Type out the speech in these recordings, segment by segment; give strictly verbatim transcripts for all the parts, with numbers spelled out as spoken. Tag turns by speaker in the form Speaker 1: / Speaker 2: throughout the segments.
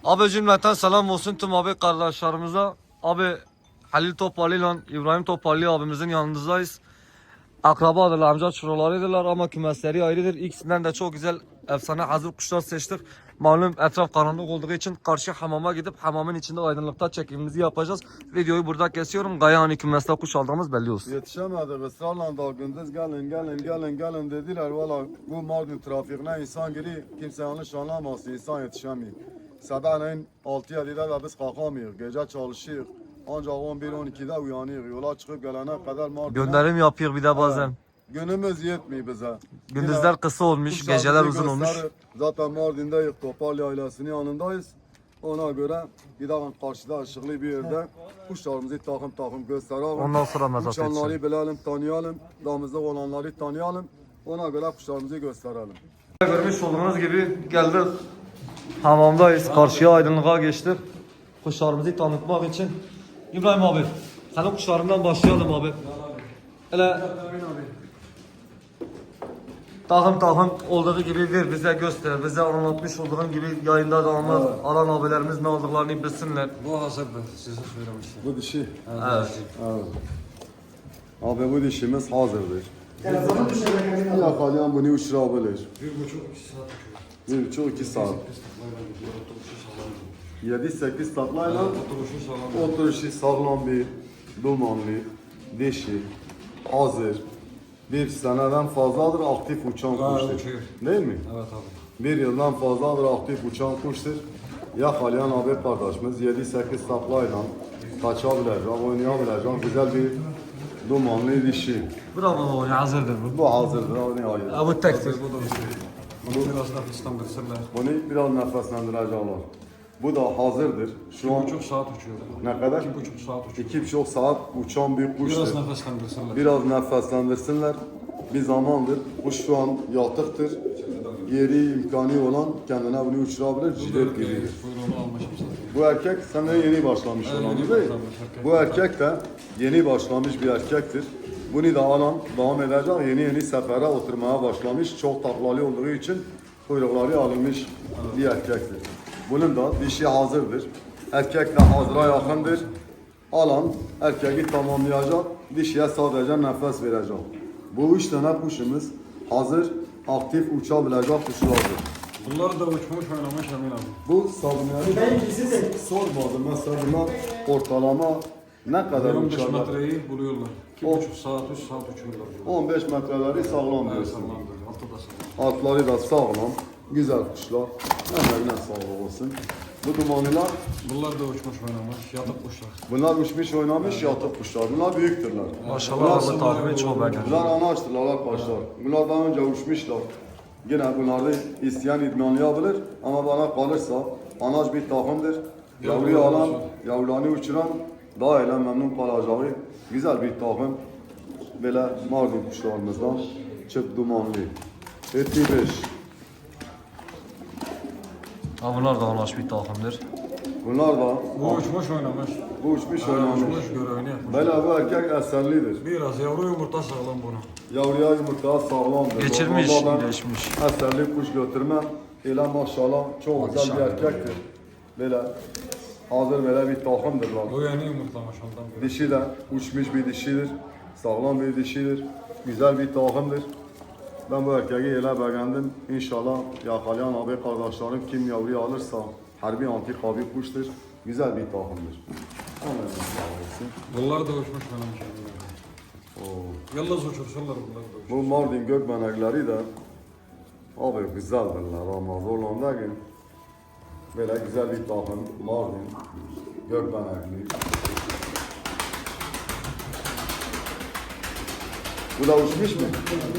Speaker 1: Abi cümleten selam olsun tüm abi kardeşlerimize. Abi Halil Topali ile İbrahim Topali abimizin yanındayız. Akrabadırlar, amca çoğullarıdırlar ama kümesleri ayrıdır. İkisinden de çok güzel efsane hazır kuşlar seçtik. Malum etraf karanlık olduğu için karşı hamama gidip hamamın içinde aydınlıkta çekimimizi yapacağız. Videoyu burada kesiyorum. Gayani kümeste kuş aldığımız belli olsun.
Speaker 2: Yetişemedik ısrarla da gündüz gelin gelin gelin gelin dediler. Valla bu Mardin trafiğine insan giri kimse yanlış anlamasın, insan yetişemiyor. Sabahleyin altı yedide de biz kalkamıyoruz, gece çalışıyoruz. Ancak on bir on ikide uyanıyoruz, yola çıkıp gelene kadar Mardin'e.
Speaker 1: Gönderim yapıyor bir de bazen.
Speaker 2: Günümüz yetmiyor bize.
Speaker 1: Gündüzler
Speaker 2: Yine
Speaker 1: kısa olmuş,
Speaker 2: kuşlarımızı
Speaker 1: geceler uzun olmuş.
Speaker 2: gösterir. Zaten Mardin'deyiz, Topal ailesinin yanındayız. Ona göre gidelim karşıda ışıklı bir yerde kuşlarımızı takım takım gösterelim.
Speaker 1: Ondan sonra mezat edeceğim.
Speaker 2: Uçanları bilelim, tanıyalım. Damızlık olanları tanıyalım. Ona göre kuşlarımızı gösterelim.
Speaker 1: Görmüş olduğunuz gibi geldik. Hamamdayız. Karşıya aydınlığa geçtik. Kuşlarımızı tanıtmak için. İbrahim abi, senin kuşlarından başlayalım abi. Hele takım takım olduğu gibi ver bize göster. Bize anlatmış olduğun gibi yayında da anlat.
Speaker 2: Evet.
Speaker 1: Alan abilerimiz ne aldıklarını bilsinler.
Speaker 3: Bu hazırdı, size söylemiştim.
Speaker 2: Bu dişi.
Speaker 1: Evet.
Speaker 2: Evet. Abi bu dişimiz hazırdır. Yakalayan bunu uçurabilir.
Speaker 3: Bir buçuk, iki saat uçuyor.
Speaker 2: Bir buçuk iki saat. Yedi sekiz taklayla
Speaker 3: Oturuşu sağlam.
Speaker 2: oturuşu sağlam bir dumanlı dişi hazır. Bir seneden fazladır aktif uçan
Speaker 3: Gayet
Speaker 2: kuştur.
Speaker 3: uçuyor.
Speaker 2: Değil mi?
Speaker 3: Evet abi.
Speaker 2: Bir yıldan fazladır aktif uçan kuştur. Yakalayan abi kardeşimiz yedi sekiz taklayla kaçabilecek, oynayabilecek güzel bir dumanlı dişi.
Speaker 1: Bravo abi, hazırdır bu.
Speaker 2: Bu hazırdır abi nihayet.
Speaker 1: Ha, bu tektir.
Speaker 3: Bu da uçuyor. Bunu biraz nefeslendirsinler.
Speaker 2: Bunu biraz nefeslendirecekler. Bu da hazırdır. Şu
Speaker 3: Bir
Speaker 2: an
Speaker 3: buçuk saat uçuyor.
Speaker 2: ne kadar?
Speaker 3: İki buçuk saat uçuyor.
Speaker 2: İki buçuk saat uçan bir kuştur.
Speaker 3: Biraz nefeslendirsinler.
Speaker 2: Biraz nefeslendirsinler. Bir zamandır. Kuş şu an yatıktır. Yeri imkanı olan kendine bunu uçurabilir. Cilet gibidir.
Speaker 3: Kuyruğunu almışım zaten.
Speaker 2: Bu erkek senden yeni başlamış
Speaker 3: Evet,
Speaker 2: olan
Speaker 3: yeni
Speaker 2: değil mi?
Speaker 3: başlamış erkek.
Speaker 2: Bu erkek de yeni başlamış bir erkektir. Bunu da alan devam edecek. Yeni yeni sefere oturmaya başlamış. Çok taklalı olduğu için kuyrukları alınmış bir erkektir. Bunun da dişi hazırdır. Erkek de hazıra yakındır. Alan erkeği tamamlayacak. Dişiye sadece nefes verecek. Bu üç tane kuşumuz hazır, aktif uçabilecek kuşlardır.
Speaker 3: Bunlar da uçmuş oynamış Emin abi.
Speaker 2: Bu sabunları sormadım. Mesela bunlar ortalama ne kadar
Speaker 3: on beş
Speaker 2: uçarlar?
Speaker 3: metreyi buluyorlar. İki
Speaker 2: O-
Speaker 3: buçuk saat, üç saat uçuyorlar.
Speaker 2: on beş metreleri sağlam
Speaker 3: Evet,
Speaker 2: diyorsun.
Speaker 3: sağlamdır. Altı da sağlam.
Speaker 2: Altları da sağlam. Güzel kuşlar. Emeğine sağlık olsun. Bu dumanlılar,
Speaker 3: Bunlar da uçmuş oynamış. Yatık kuşlar.
Speaker 2: bunlar uçmuş oynamış yatık kuşlar. Bunlar büyüktürler.
Speaker 1: Maşallah abi takimi çok beğendim.
Speaker 2: Bunlar anaçtırlar arkadaşlar. Bunlar daha önce uçmuşlar. Yine bunları isteyen idmanlayabilir ama bana kalırsa anaç bir takımdır. Yavruyu alan, yavrularını uçuran daha ile memnun kalacağı güzel bir takım. Böyle Mardin kuşlarımızdan çıp dumanlı. Eti beş.
Speaker 1: Ha, bunlar da anlaş bir takımdır.
Speaker 2: Bunlar da
Speaker 3: Bu uçmuş oynamış.
Speaker 2: bu uçmuş
Speaker 3: Ha,
Speaker 2: oynamış.
Speaker 3: Uçmuş görevini yapmış.
Speaker 2: Böyle bu erkek eserlidir.
Speaker 3: Biraz yavru yumurta sağlam bunu.
Speaker 2: Yavruya yumurta sağlamdır.
Speaker 1: Geçirmiş,
Speaker 2: Normalde ben
Speaker 1: geçmiş.
Speaker 2: eserli kuş götürmem. Ile maşallah çok güzel bir erkektir. Böyle hazır böyle bir takımdır lan.
Speaker 3: Bu yeni yumurtlamış ondan beri.
Speaker 2: Dişi de uçmuş bir dişidir. Sağlam bir dişidir. Güzel bir takımdır. Ben bu erkeği ele beğendim. İnşallah yakalayan abi kardeşlerim kim yavruyu alırsa harbi antik abi kuştur. Güzel bir takımdır. Amin. Sağ olsun.
Speaker 3: Bunlar da uçmuş oynamış.
Speaker 2: Oo.
Speaker 3: Yalnız uçursunlar bunlar da uçmuş.
Speaker 2: Bu Mardin gökbenekleri de abi güzeldirler ama zorlandığı gün böyle güzel bir takım Mardin gökbenekli. Bu da uçmuş mu?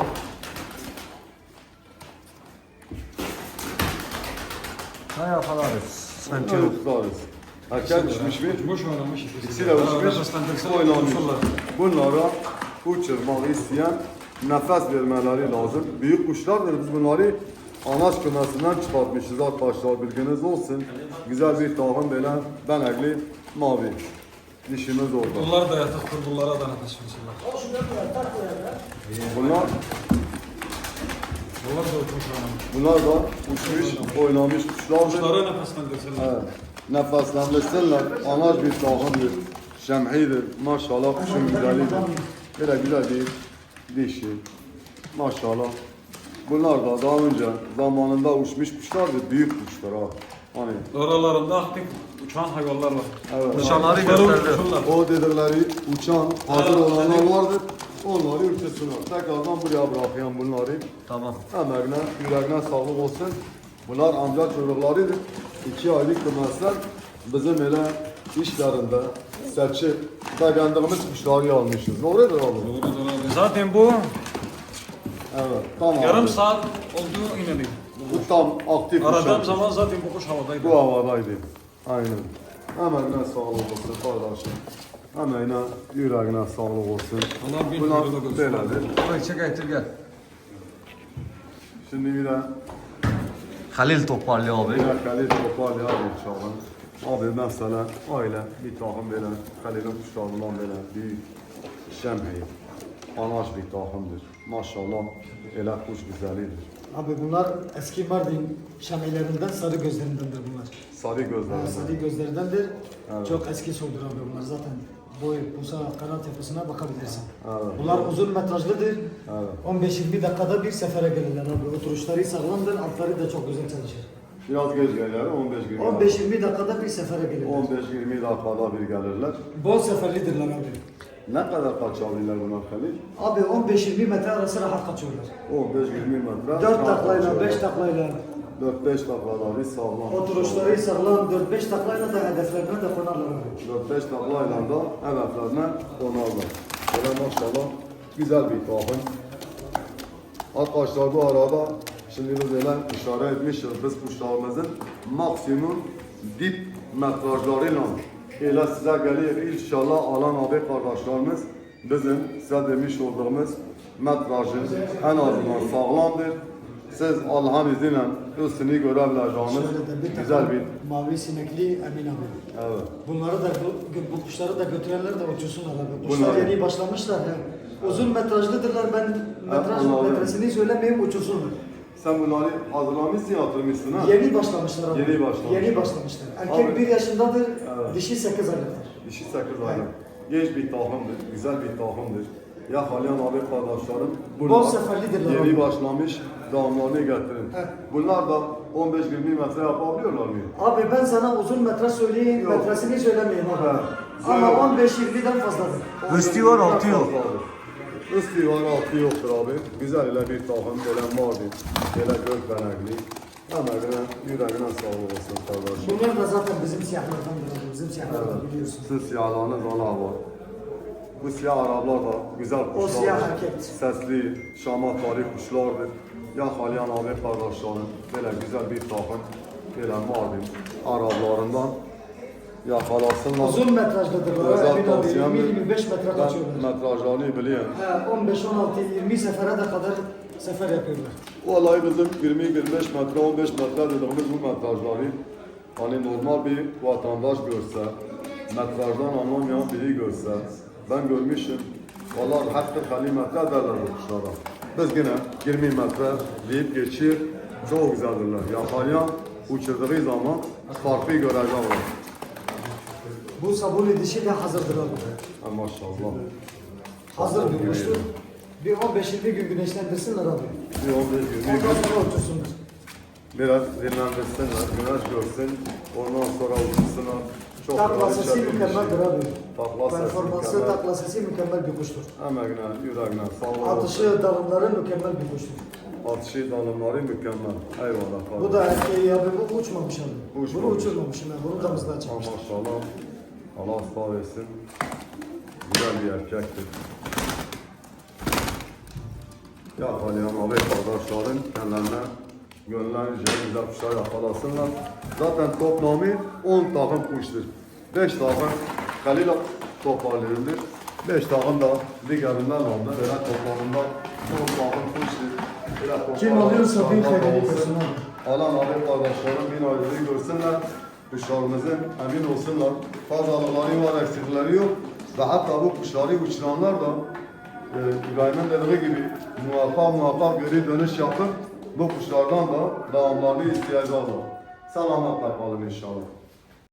Speaker 1: Ne yaparız? Sıkıntı yok.
Speaker 2: Evet, tutarız. Erkek uçmuş mu?
Speaker 3: Uçmuş oynamış ikisi.
Speaker 2: İkisi de uçmuş,
Speaker 3: Nefeslendirsinler,
Speaker 2: oynamış.
Speaker 3: uçursunlar.
Speaker 2: Bunlara uçurmak isteyen nefes vermeleri lazım. Büyük kuşlardır, biz bunları anaç kümesinden çıkartmışız arkadaşlar, bilginiz olsun. Güzel bir takım böyle benekli mavi. Dişimiz orada.
Speaker 3: Bunlar da yatıktır, bunlara da nefes versinler.
Speaker 2: Bunlar
Speaker 3: Bunlar da uçmuş anam.
Speaker 2: Bunlar da uçmuş, oynamış kuşlardır.
Speaker 3: Kuşlara nefeslendirsinler.
Speaker 2: Evet. Nefeslendirsinler. Anaç bir tahımdır. Şemhidir. Maşallah kuşun güzelidir. Böyle güzel bir dişi. Maşallah. Bunlar da daha önce zamanında uçmuş kuşlardır. Büyük kuşlar ha. Hani
Speaker 3: Aralarında aktif uçan hayvanlar var.
Speaker 2: evet.
Speaker 1: Nişanları
Speaker 3: Kuşları
Speaker 1: gösterdi.
Speaker 3: uçursunlar.
Speaker 2: O dedikleri uçan hazır
Speaker 3: Evet,
Speaker 2: olanlar
Speaker 3: dedik.
Speaker 2: vardır. Onları uçursunlar. Tekrardan buraya bırakayım bunları.
Speaker 1: Tamam.
Speaker 2: Emeğine, yüreğine sağlık olsun. Bunlar amca çocuklarıdır. İki aylık kımesler bizim ele işlerinde seçip beğendiğimiz kuşları almışız. Doğrudur abi.
Speaker 3: Doğrudur abi. Zaten bu
Speaker 2: Evet, tamam.
Speaker 3: yarım
Speaker 2: abi.
Speaker 3: saat oldu inanayım.
Speaker 2: Bu tam aktif
Speaker 3: Aradığım
Speaker 2: uçan.
Speaker 3: zaman zaten bu kuş havadaydı.
Speaker 2: Bu havadaydı. Aynen. Emeğine sağlık olsun kardeşim. Emeğine, yüreğine sağlık olsun.
Speaker 3: Allah bin
Speaker 2: Bunlar
Speaker 3: kuyruğu görsün.
Speaker 2: böyledir.
Speaker 1: Burayı çek getir gel.
Speaker 2: Şimdi bir de
Speaker 1: Halil toparlıyor abi.
Speaker 2: bir de Halil toparlayalım inşallah. Abi mesela aile bir takım böyle Halil'in kuşlarından böyle büyük şemheyi. Anaç bir takımdır. Maşallah ele kuş güzelidir.
Speaker 4: Abi bunlar eski Mardin şamelerinden sarı gözlerindendir bunlar.
Speaker 2: Sarı
Speaker 4: Ha,
Speaker 2: gözlerinden.
Speaker 4: sarı gözlerindendir.
Speaker 2: Evet.
Speaker 4: Çok eski soydur abi bunlar zaten. Boy, pusa, kanat yapısına bakabilirsin.
Speaker 2: Evet.
Speaker 4: Bunlar uzun metrajlıdır.
Speaker 2: Evet.
Speaker 4: on beş yirmi dakikada bir sefere gelirler abi. Oturuşları sağlamdır, altları da çok güzel çalışır.
Speaker 2: Biraz geç gelirler on beş yirmi
Speaker 4: on beş yirmi dakikada bir sefere gelirler.
Speaker 2: on beş yirmi dakikada bir gelirler.
Speaker 4: Bol seferlidirler abi.
Speaker 2: Ne kadar kaçabilirler bunlar Halil?
Speaker 4: Abi on beş yirmi metre arası rahat kaçıyorlar.
Speaker 2: on beş yirmi metre.
Speaker 4: dört taklayla, beş taklayla.
Speaker 2: dört beş taklaları sağlam.
Speaker 4: Oturuşları sağlam, dört beş taklayla da hedeflerine de konarlar abi.
Speaker 2: dört beş taklayla da hedeflerine konarlar. Böyle maşallah güzel bir takım. Arkadaşlar bu arada şimdi biz böyle işaret etmişiz biz kuşlarımızın maksimum dip metrajlarıyla ile size gelir inşallah alan abi kardeşlerimiz bizim size demiş olduğumuz metrajın en azından sağlamdır. Siz Allah'ın izniyle üstünü görebileceğiniz
Speaker 4: Şöyle de bir
Speaker 2: güzel
Speaker 4: takım
Speaker 2: bir
Speaker 4: mavi sinekli Emin abi.
Speaker 2: evet.
Speaker 4: Bunları da bu, bu kuşları da götürenler de uçursunlar abi. Kuşlar
Speaker 2: Bunlar-
Speaker 4: yeni başlamışlar. He. Uzun metrajlıdırlar. Ben metraj
Speaker 2: onları-
Speaker 4: metresini söylemeyeyim uçursunlar.
Speaker 2: Sen bunları hazırlamışsın yatırmışsın ha?
Speaker 4: Yeni başlamışlar abi.
Speaker 2: Yeni başlamışlar.
Speaker 4: Yeni başlamışlar. Erkek
Speaker 2: Abi-
Speaker 4: bir yaşındadır,
Speaker 2: Evet.
Speaker 4: dişi sekiz aylıktır.
Speaker 2: Dişi sakız aylık. Genç bir tahımdır, güzel bir tahımdır. Ya Halyan abi kardeşlerim,
Speaker 4: Bol seferlidirler
Speaker 2: yeni
Speaker 4: abi.
Speaker 2: başlamış damlarını getirin.
Speaker 4: Evet.
Speaker 2: Bunlar da on beş yirmi metre yapabiliyorlar mı?
Speaker 4: Abi ben sana uzun metre söyleyeyim,
Speaker 2: Yok.
Speaker 4: metresini söylemeyeyim abi.
Speaker 2: Evet.
Speaker 4: Ama
Speaker 2: Söyle.
Speaker 4: on beş yirmiden fazladır.
Speaker 1: Üstü var, altı yok.
Speaker 2: Üstü var altı yoktur abi. Güzel ile bir tahım böyle mavi, böyle gök benekli. Emeğine, yüreğine sağlık olsun kardeşim.
Speaker 4: Bunlar da zaten bizim siyahlardandır abi. Bizim siyahlardan biliyorsun.
Speaker 2: Siz siyahlarınız ana var. Bu siyah Araplar da güzel kuşlardır.
Speaker 4: siyah erkek.
Speaker 2: Sesli, şamatvari kuşlardır. Ya Halyan abi kardeşlerim, böyle güzel bir takım, böyle Mardin Araplarından yakalasınlar.
Speaker 4: Uzun metrajlıdırlar.
Speaker 2: Özel
Speaker 4: Emin abi
Speaker 2: tavsiyemdir.
Speaker 4: yirmi yirmi beş metre
Speaker 2: Ben
Speaker 4: kaçıyorlar.
Speaker 2: metrajlarını biliyorum.
Speaker 4: He, on beş on altı yirmi sefere de kadar sefer yapıyorlar.
Speaker 2: Vallahi bizim yirmi yirmi beş metre, on beş metre dediğimiz bu metrajları hani normal bir vatandaş görse, metrajdan anlamayan biri görse, ben görmüşüm. Vallahi hatta elli metre derler bu kuşlara. Biz yine yirmi metre deyip geçir, çok güzeldirler. Yakalayan uçurduğu zaman farklı görecekler.
Speaker 4: Bu sabuni dişi de hazırdır abi.
Speaker 2: Ha, maşallah.
Speaker 4: Hazır bir kuştur. Bir on beş yirmi gün güneşlendirsinler abi.
Speaker 2: Bir on beş yirmi
Speaker 4: Ondan
Speaker 2: gün
Speaker 4: sonra uçursunlar.
Speaker 2: biraz dinlendirsinler, güneş görsün, ondan sonra uçursunlar. Çok
Speaker 4: Takla
Speaker 2: güzel
Speaker 4: sesi
Speaker 2: içeride bir
Speaker 4: mükemmeldir
Speaker 2: şey.
Speaker 4: abi.
Speaker 2: Takla sesi
Speaker 4: Performansı,
Speaker 2: mükemmel.
Speaker 4: takla sesi mükemmel bir kuştur.
Speaker 2: Emeğine, yüreğine, sağlık olsun.
Speaker 4: Atışı, dalımları mükemmel bir kuştur.
Speaker 2: Atışı, dalımları mükemmel. Eyvallah.
Speaker 4: Bu da erkeği abi, bu uçmamış abi. Bunu
Speaker 2: Uçmamış.
Speaker 4: uçurmamışım ben, bunu damızda
Speaker 2: Ha,
Speaker 4: açmış.
Speaker 2: maşallah. Allah ıslah versin. Güzel bir erkektir. Ya Halyan abi kardeşlerin kendilerine gönlerince güzel kuşlar yakalasınlar. Zaten toplamı on takım kuştur. beş takım Halil toparlanır. beş takım da diğerinden aldı. Böyle toplamında on takım kuştur. Böyle
Speaker 4: Kim
Speaker 2: toplamda
Speaker 4: alıyorsa bin
Speaker 2: kuşlar
Speaker 4: hayrını
Speaker 2: olsun.
Speaker 4: görsün abi.
Speaker 2: Alan abi kardeşlerim bin ayrılığı görsünler. Kuşlarımızın emin olsunlar. Fazlalıkları var, eksikleri yok. Ve hatta bu kuşları uçuranlar da e, İbrahim'in dediği gibi muvaffak muvaffak geri dönüş yapıp Bu kuşlardan da devamlarını isteyeceğiz. Selametle kalın inşallah.